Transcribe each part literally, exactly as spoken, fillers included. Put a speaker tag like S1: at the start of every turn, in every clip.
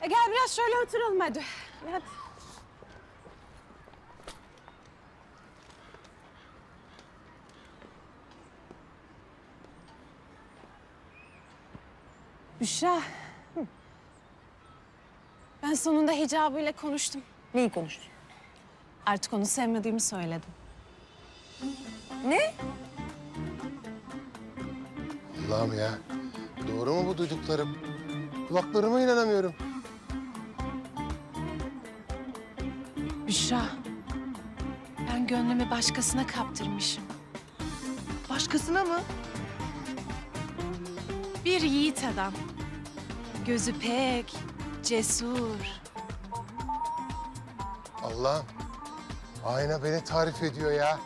S1: gel biraz şöyle oturalım hadi. Hadi. Büşra. Hı. Ben sonunda hicabıyla konuştum.
S2: Neyi konuştun?
S1: Artık onu sevmediğimi söyledim.
S2: Ne?
S3: Allah'ım ya. Doğru mu bu duyduklarım? Kulaklarıma inanamıyorum.
S1: Büşra. Ben gönlümü başkasına kaptırmışım.
S2: Başkasına mı?
S1: Bir yiğit adam. Gözü pek, cesur.
S3: Allah'ım. Ayna beni tarif ediyor ya.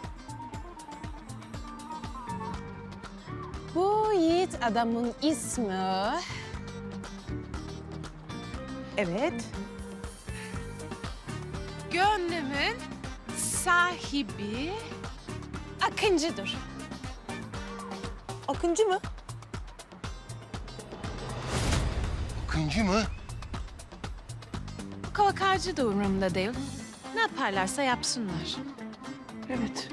S1: Bu yiğit adamın ismi...
S2: Evet.
S1: Gönlümün sahibi Akıncı'dır.
S2: Akıncı mı?
S3: Akıncı mı?
S1: Kovakarcı da umurumda değil. Ne yaparlarsa yapsınlar.
S2: Evet.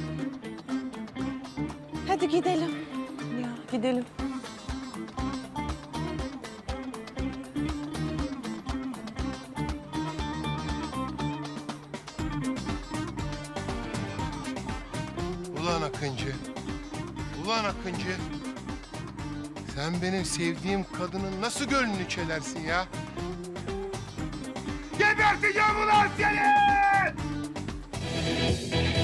S1: Hadi gidelim.
S2: Ya gidelim.
S3: Ulan Akıncı. Ulan Akıncı. Sen benim sevdiğim kadının nasıl gönlünü çelersin ya? Geberteceğim ulan seni!